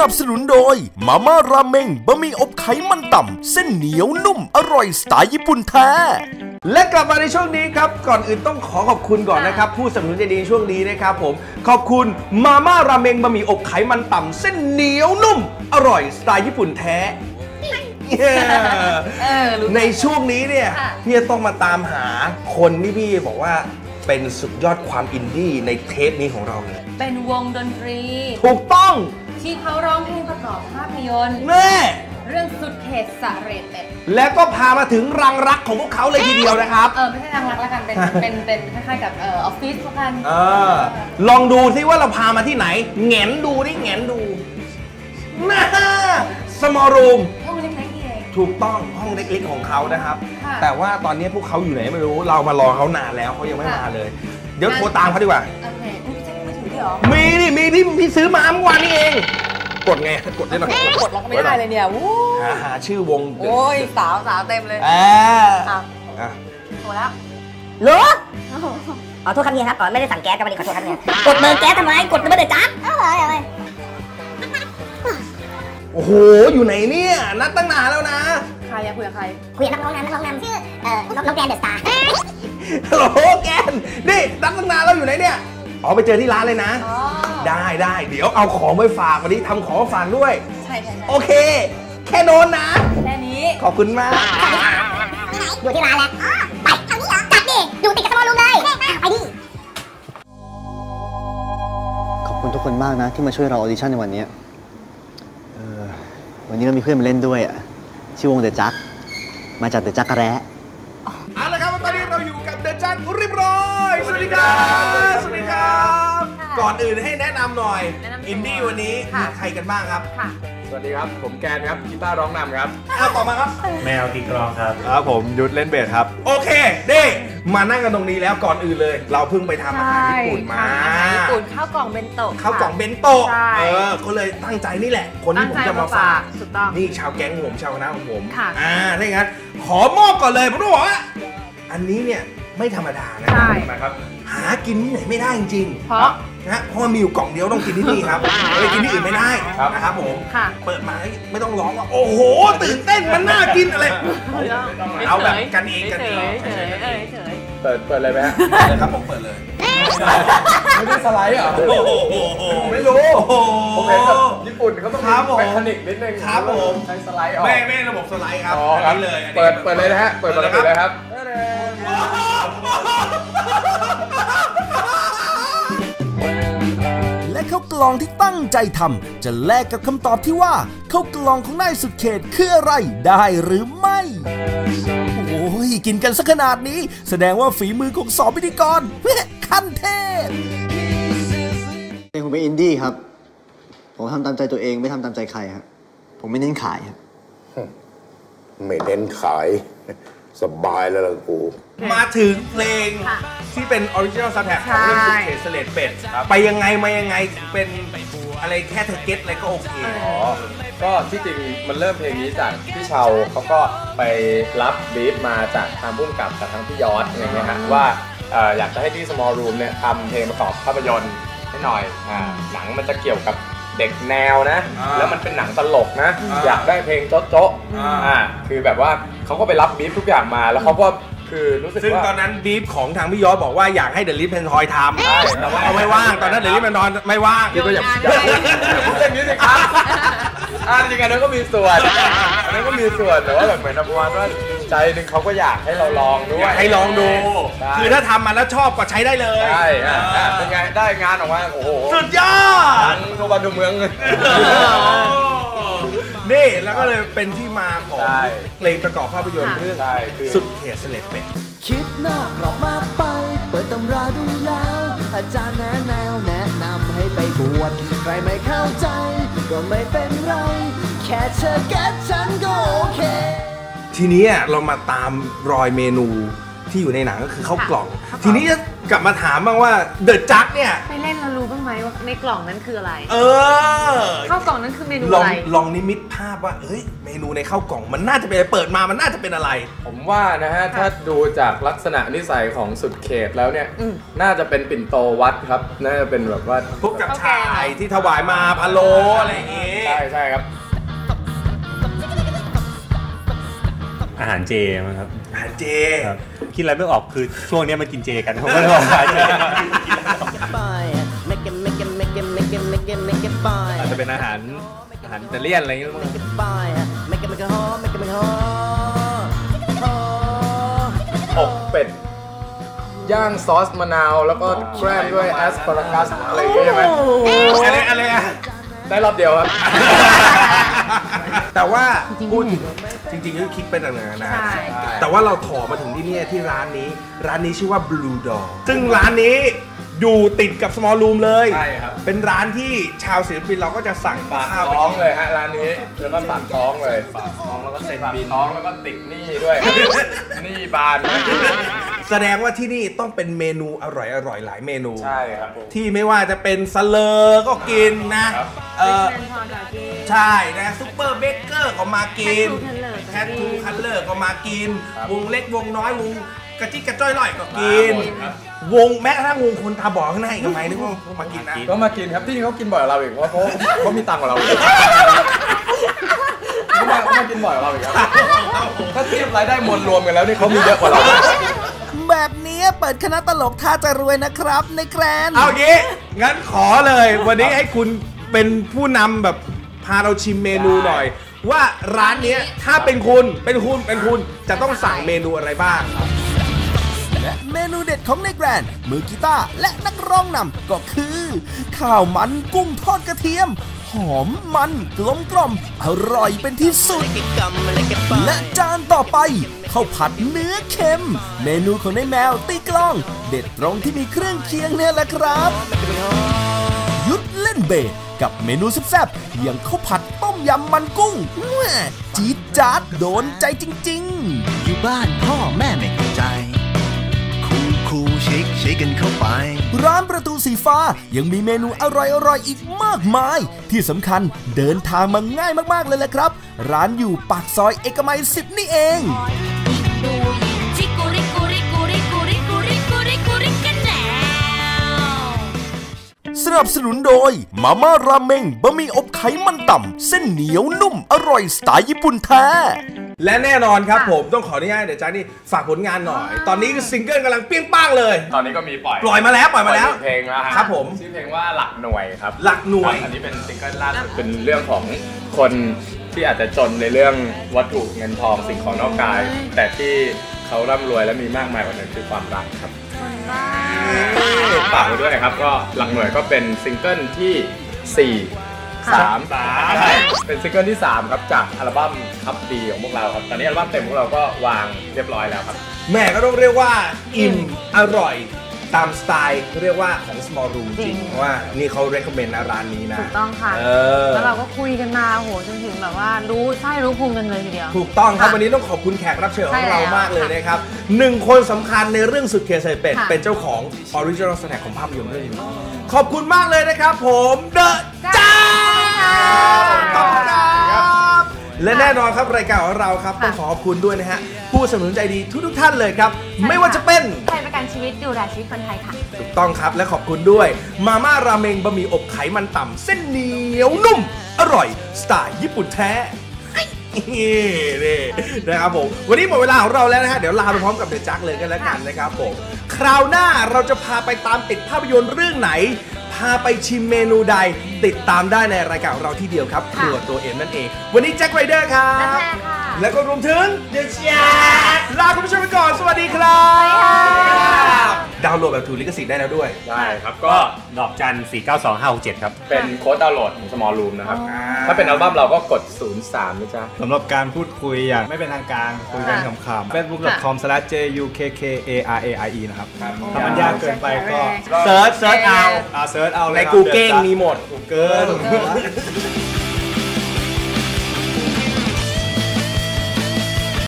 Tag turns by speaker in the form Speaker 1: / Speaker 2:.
Speaker 1: นับสนุนโดยมาม่าราเมงบะหมี่อบไขมันต่ำเส้นเหนียวนุ่มอร่อยสไตล์ญี่ปุ่นแท้
Speaker 2: และกลับมาในช่วงนี้ครับก่อนอื่นต้องขอบคุณก่อนนะครับผู้สนับสนุนใจดีช่วงนี้นะครับผมขอบคุณมาม่าราเมงบะหมี่อบไขมันต่ำเส้นเหนียวนุ่มอร่อยสไตล์ญี่ปุ่นแท้ในช่วงนี้เนี่ยพี่จะต้องมาตามหาคนที่พี่บอกว่าเป็นสุดยอดความอินดี้ในเทปนี้ของเราเลย
Speaker 3: เป็นวงดนตรี
Speaker 2: ถูกต้อง
Speaker 3: ที่เขาร้องเพลงประกอบภาพยนตร์
Speaker 2: แม่
Speaker 3: เรื่องสุดเขตสะเรดเป็ด
Speaker 2: และก็พามาถึงรังรักของพวกเขาเลยทีเดียวนะครับ
Speaker 3: ไม่ใช่รังรักแล้วกันเป็นคล้ายๆกับออฟฟิศพวกกัน
Speaker 2: ลองดูซิว่าเราพามาที่ไหนแงนดูนี่แงนดูน่าสมอลรูม
Speaker 3: ห้องเล็กๆเอง
Speaker 2: ถูกต้องห้องเล็กๆของเขานะครับแต่ว่าตอนนี้พวกเขาอยู่ไหนไม่รู้เรามารอเขานานแล้วเขายังไม่มาเลยเดี๋ยวโทรตามเขาดีกว่า
Speaker 3: โอเคพี่แจ้งมือถือดิหรอ
Speaker 2: มีพี่ซื้อมาเมื่อวานนี้เองกดไงกดได้หน่อย
Speaker 3: กดแล้วก็ไม่ได้เลยเนี่ย
Speaker 2: หาชื่อวง
Speaker 3: โอ้ยสาวเต็มเลยโทรแล้ว
Speaker 4: รู้ขอโทษครับเฮียครับไม่ได้สั่งแก๊สครับวันนี้ขอโทษครับเฮียกดเบอร์แก๊สทำไมกดไม่ได้จ้าอะไร
Speaker 2: โอ้โหอยู่ไหนเนี่ยนัดตั้งนานแล้วนะ
Speaker 3: ใครคุยกับใคร
Speaker 4: คุยกับนักร้องนำชื่อน้องแกนเดอะสตาร์
Speaker 2: ฮัลโหลแกนนี่นัดตั้งนานแล้วอยู่ไหนเนี่ยไปเจอที่ร้านเลยนะได้เดี๋ยวเอาของไปฝากวันนี้ทำของฝากด้วย
Speaker 3: ใช่
Speaker 2: โอเคแค่โน้นนะ
Speaker 3: แค่นี้
Speaker 2: ขอบคุณมาก
Speaker 4: อยู่ที่ร้านแล้วไปทางนี้เหรอจัดดิอยู่ติดกับสมอลรูมเลยไปดิ
Speaker 5: ขอบคุณทุกคนมากนะที่มาช่วยเราออดิชั่นในวันนี้วันนี้เรามีเพื่อนมาเล่นด้วยชื่อวงเดอะจักมาจากเดอะจักกะแร้
Speaker 2: เอาละครับตอนนี้เราอยู่กับเดอะจักเรียบร้อยสวัสดีครับสวัสดีครับก่อนอื่นให้แนะนำหน่อยอินดี้วันนี้มีใครกันบ้างครับ
Speaker 6: สวัสดีครับผมแกนครับกีตาร์ร้องนำครับ
Speaker 2: ต่อมาครับ
Speaker 7: แมวตีกลองครับ
Speaker 6: ผมยุทธเล่นเบสครับ
Speaker 2: โอเคนี่มานั่งกันตรงนี้แล้วก่อนอื่นเลยเราเพิ่งไปทำอาหารญี่ปุ่นมา
Speaker 3: ญี่ปุ่นข้าวกล่องเบนโตะ
Speaker 2: ข้าวกล่องเบนโตะก็เลยตั้งใจนี่แหละคนที่ผมจะมาฝากนี่ชาวแก๊งผมชาวคณะของผมถ้าอย่างนั้นขอมอบก่อนเลยผมต้องบอกว่าอันนี้เนี่ยไม่ธรรมดานะครับหากินที่ไหนไม่ได้จริงๆเพราะมันมีอยู่กล่องเดียวต้องกินที่นี่ครับไปกินที่อื่นไม่ได้นะครับผมเปิดมาไม่ต้องร้องว่าโอ้โหตื่นเต้นมันน่ากินอะไรเอาแบบกันเอง
Speaker 6: เปิดเลยไหมฮะ
Speaker 2: ครับผมเปิดเลย
Speaker 6: ไม่ได้สไลด์เหรอ
Speaker 2: ไม่รู้
Speaker 6: ผมเห็นแบบญี่ปุ่นเขาต้องมีเทคนิคนิดนึง
Speaker 2: ครับผม
Speaker 6: ใช้สไลด์ออก
Speaker 2: ไม่ระบบสไลด์ครับ
Speaker 6: นี่เลยเปิดเลยนะฮะเปิดปกติเลยครับ
Speaker 1: และข้าวกล่องที่ตั้งใจทำจะแลกกับคำตอบที่ว่าข้าวกล่องของนายสุดเขตคืออะไรได้หรือไม่โอ้ยกินกันสักขนาดนี้แสดงว่าฝีมือของสองพิธีกรขั้นเทพ
Speaker 5: ผมเป็นอินดี้ครับผมทำตามใจตัวเองไม่ทำตามใจใครครับผมไม่เน้นขายครับ
Speaker 8: ไม่เน้นขายสบายแล้วล่ะกู
Speaker 2: มาถึงเพลงที่เป็นออริจินอลซาวด์แทร็กของเรื่องสุดเขตสะเรดเป็ดไปยังไงมายังไงเป็นอะไรแค่เธอเก็ตอะไรก็โอเค
Speaker 6: ก็ที่จริงมันเริ่มเพลงนี้จากพี่เชาเขาก็ไปรับบรีฟมาจากทางผู้กำกับจากทางพี่ยอดอะไรเงี้ยฮะว่าอยากจะให้ที่ Small Room เนี่ยทำเพลงประกอบภาพยนตร์ให้หน่อยหนังมันจะเกี่ยวกับเด็กแนวนะแล้วมันเป็นหนังตลกนะอยากได้เพลงโจ๊ะคือแบบว่าเขาก็ไปรับบรีฟทุกอย่างมาแล้วเขาก็คือรู้สึกว่าซึ่ง
Speaker 2: ตอนนั้นบีฟของทางพี่ยอดบอกว่าอยากให้เดลิฟเพนทอยทำแต่ว่าเขาไม่ว่างตอนนั้นเดลิฟเพนทอยไม่ว่าง
Speaker 6: คือก็อยากพูดอย่างนี้สิครับจริงๆนั้นก็มีส่วนแต่ว่าแบบเหมือนประมาณว่าใจหนึ่งเขาก็อยากให้เราลองด้วย
Speaker 2: ให้ลองดูคือถ้าทำมาแล้วชอบก็ใช้ได้เลย
Speaker 6: ใช่เป็นไงได้งานออกมาโอ้โห
Speaker 2: สุดยอด
Speaker 6: ทั่วบ้านทั่วเมืองเลย
Speaker 2: นี่แล้วก็เลยเป็นที่มาของเพลงประกอบภาพยนตร์เรื่องสุดเขตสะเรดเป็ด
Speaker 9: คิดนอกกรอบมากไปเปิดตำราดูแล้วอาจารย์แนะนำให้ไปบวชใครไม่เข้าใจก็ไม่เป็นไรแค่เธอแก้ฉันก็โอเค
Speaker 2: ทีนี้เรามาตามรอยเมนูที่อยู่ในหนังก็คือข้าวกล่องทีนี้กลับมาถามบ้างว่าเดอะจักเนี่ย
Speaker 3: ไปเล่นเรารู้บ้างไหมว่าในกล่องนั้นคืออะไรข้าวกล่องนั้นคือเมนูอะไร
Speaker 2: ลองนิมิตภาพว่าเฮ้ยเมนูในข้าวกล่องมันน่าจะเป็นเปิดมามันน่าจะเป็นอะไร
Speaker 6: ผมว่านะฮะถ้าดูจากลักษณะนิสัยของสุดเขตแล้วเนี่ยน่าจะเป็นปิ่นโตวัดครับน่าจะเป็นแบบว่า
Speaker 2: พวกกับชายที่ถวายมาพะโล้อะไรอย่างงี้
Speaker 6: ใช่ครับ
Speaker 7: อาหารเจมั้งครับ
Speaker 2: อาหารเจ
Speaker 7: คิดอะไรไม่ออกคือช่วงนี้มากินเจกันผมก็เลยบอกอาหารเจ
Speaker 6: อาจจะเป็นอาหารอิตาเลียนอะไรอย่างเงี้ยอกเป็ดย่างซอสมะนาวแล้วก็แกล้มด้วยแอสพารากัสอะไรอย่างเงี้ยใช่ไหม
Speaker 2: อะไร
Speaker 6: ได้รอบเดียวครับ
Speaker 2: แต่ว่าพูดจริงๆก็คิดเป็นต่างๆนะแต่ว่าเราถอมาถึงที่นี่ที่ร้านนี้ชื่อว่า Blue Door ซึ่งร้านนี้อยู่ติดกับ Small Room เลย
Speaker 6: ใช่ครับ
Speaker 2: เป็นร้านที่ชาวศิลปินเราก็จะสั่ง
Speaker 6: ข้าวท้องเลยฮะร้านนี้แล้วก็ฝากท้องเลยฝากท้องแล้วก็เซ็นบินท้องแล้วก็ติดหนี้ด้วยหนี้บาน
Speaker 2: แสดงว่าที่นี่ต้องเป็นเมนูอร่อยหลายเมนู
Speaker 6: ใช่ครับ
Speaker 2: ที่ไม่ว่าจะเป็นสเลอก็กินนะใช่นะซุปเปอร์เบเกอร์ก็มากินแคททูคัลเลอร์ก็มากินวงเล็กวงน้อยวงกระจิกกระจ้อยลอยก็กินวงแม้กระทั่งวงคนตาบอดข้างในก็ไม่นึกว่ามากินนะ
Speaker 6: ก็มากินครับที่เขากินบ่อยเราอีกเพราะเขามีตังค์กว่าเราเขากินบ่อยกว่าเราอีกครับถ้าเทียบรายได้มวลรวมกันแล้วนี่เขามีเยอะกว่าเรา
Speaker 1: แบบนี้เปิดคณะตลกท่าจะรวยนะครับในแกรน
Speaker 2: เอางี้งั้นขอเลยวันนี้ให้คุณเป็นผู้นำแบบพาเราชิมเมนูหน่อยว่าร้านนี้ถ้าเป็นคุณจะต้องสั่งเมนูอะไรบ้าง
Speaker 1: และเมนูเด็ดของในแกรนมือกีตาร์และนักร้องนำก็คือข้าวมันกุ้งทอดกระเทียมหอมมันกลมกล่อมอร่อยเป็นที่สุดและจานต่อไปข้าวผัดเนื้อเค็มเมนูของในแมวตีกลองเด็ดตรงที่มีเครื่องเคียงเนี่ยแหละครับยุดเล่นเบสกับเมนูแซ่บๆอย่างข้าวผัดต้มยำมันกุ้งจี๊ดจ๊าดโดนใจจริงๆอยู่บ้านพ่อแม่ไม่เข้าใจคูเช็คกันเข้าไปร้านประตูสีฟ้ายังมีเมนูอร่อยๆอีกมากมายที่สำคัญเดินทางมาง่ายมากๆเลยแหละครับร้านอยู่ปากซอยเอกมัย10นี่เองสนับสนุนโดยมาม่าราเมงบะหมี่อบไขมันต่ำเส้นเหนียวนุ่มอร่อยสไตล์ญี่ปุ่นแท้
Speaker 2: และแน่นอนครับผมต้องขออนุญาตเดี๋ยวจ้านี่ฝากผลงานหน่อยตอนนี้ซิงเกิลกำลังเปี้ยงป้างเลย
Speaker 6: ตอนนี้ก็มีปล่
Speaker 2: อยมาแล้ว
Speaker 6: เพลงแล้ว
Speaker 2: ครับผม
Speaker 6: ชื่อเพลงว่าหลักหน่วยครับ
Speaker 2: หลักหน่วย
Speaker 6: อันนี้เป็นซิงเกิลล่าสุดเป็นเรื่องของคนที่อาจจะจนในเรื่องวัตถุเงินทองสิ่งของนอกกายแต่ที่เขาร่ำรวยและมีมากมายกว่านั้นคือความรักครับฝากไว้ด้วยนะครับก็หลักหน่วยก็เป็นซิงเกิลที่3เป็นซิงเกิลที่3ครับจากอัลบั้มคับดีของพวกเราครับตอนนี้อัลบั้มเต็มของเราก็วางเรียบร้อยแล้วครับ
Speaker 2: แม่ก็ต้องเรียกว่าอิ่มอร่อยตามสไตล์เรียกว่าของ Small Room จริงเพราะว่านี่เขา recommend นะร้านนี้นะ
Speaker 3: ถูกต้องค่ะแล้วเราก็คุยกันมาโหจนถึงแบบว่ารู้ไส้รู้พุงกันเลยทีเดียว
Speaker 2: ถูกต้องครับวันนี้ต้องขอบคุณแขกรับเชิญของเรามากเลยนะครับ1คนสำคัญในเรื่องสุดเคใส่เป็ดเป็นเจ้าของ Original Snack ของภาพยนตร์เรื่องนี้ขอบคุณมากเลยนะครับผมเดอะจ้าขอบคุณครับและแน่นอนครับรายการของเราครับต้องขอบคุณด้วยนะฮะผู้สนับสนุนใจดีทุกท่านเลยครับไม่ว่าจะเป็น
Speaker 3: ไทยประกันชีวิตดูแลชีวิตคนไทยค่ะ
Speaker 2: ถูกต้องครับและขอบคุณด้วยมาม่าราเมงบะหมี่อบไขมันต่ำเส้นเหนียวนุ่มอร่อยสไตล์ญี่ปุ่นแท้นี่นะครับผมวันนี้หมดเวลาของเราแล้วนะฮะเดี๋ยวลาไปพร้อมกับเดอะจักเลยกันแล้วกันนะครับผมคราวหน้าเราจะพาไปตามติดภาพยนตร์เรื่องไหนพาไปชิมเมนูใดติดตามได้ในรายการของเราที่เดียวครับครัวตัวเอ็มนั่นเองวันนี้แจ็คไรเดอร์ครับแล้วก็รวมถึงเดอะแจ็คลาคุณผู้ชมไปก่อนสวัสดีครับดาวน์โหลดแบบถูกลิขสิทธิ์ได้แล้วด้วย
Speaker 6: ได้ครับก็
Speaker 7: ดอกจัน492567ครับ
Speaker 6: เป็นโค้ดดาวน์โหลดของ Small Room นะครับถ้าเป็นอัลบั้มเราก็กด03นะจ๊ะ
Speaker 7: สำหรับการพูดคุยอย่างไม่เป็นทางการคุยกันขำๆ facebook.com/jukkaraie นะครับถ้ามันยากเกินไปก็
Speaker 2: เซิร์ชเอา
Speaker 7: เซิร์ชเอา
Speaker 2: ใน Google มีหมด
Speaker 7: Google